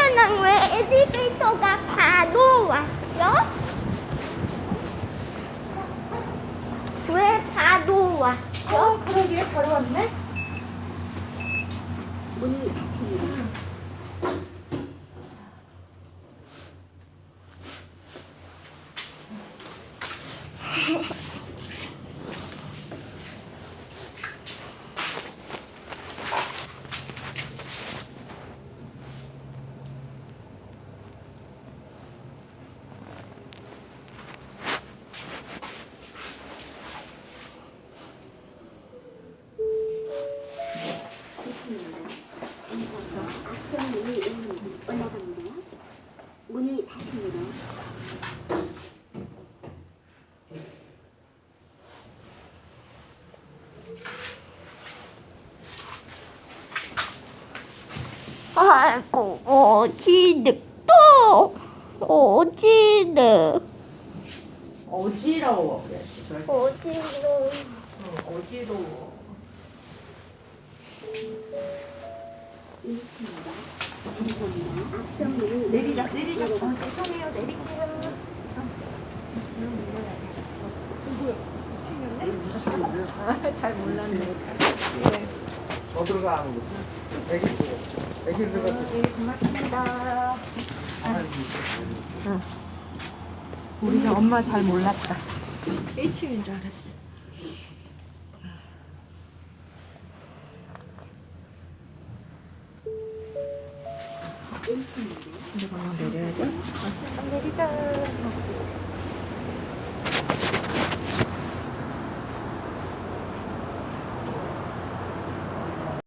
엄마는 왜 엘리베이터가 바로 왔어? 왜 바로 왔어? 그러게 바로 왔네. 문이 닫히네. 문이 닫힙니다. 아이고, 어지득 또 어지득 어지러워 그랬어. 어지러워. 어지러워. 내리자. 죄송해요. 내릴게요. 잘 몰랐네. 더 들어가는 거지? 애기 들어갔지? 고맙습니다. 우리가 엄마 잘 몰랐다. 1층인 줄 알았어. 이제 방금 내려야 돼? 내리자.